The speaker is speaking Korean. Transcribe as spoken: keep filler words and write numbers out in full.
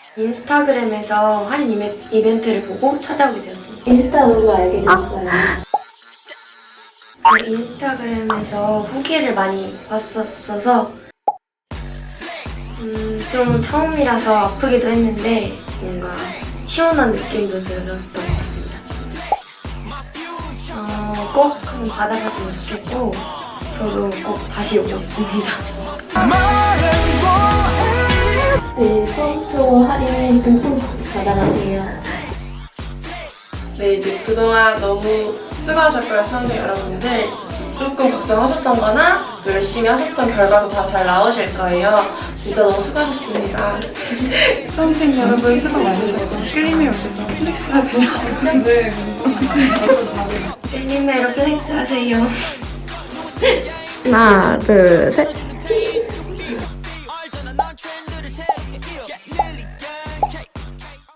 인스타그램에서 할인 이메, 이벤트를 보고 찾아오게 되었습니다. 인스타로 알게 됐어요. 아. 인스타그램에서 후기를 많이 봤었어서 음, 좀 처음이라서 아프기도 했는데 뭔가 시원한 느낌도 들었던 것 같습니다. 어, 꼭 한번 받아봤으면 좋겠고 저도 꼭 다시 오고 싶습니다. 네, 평소 할인 듬뿍 받아가세요. 네, 이제 그동안 너무 수고하셨고요, 수험생 여러분들. 조금 걱정하셨던 거나 또 열심히 하셨던 결과도 다 잘 나오실 거예요. 진짜 너무 수고하셨습니다. 수험생 여러분 수고 많으셨고 클림에 오셔서 플렉스 하세요. 네. 셀리메로 플렉스 하세요. 하나, 둘, 셋.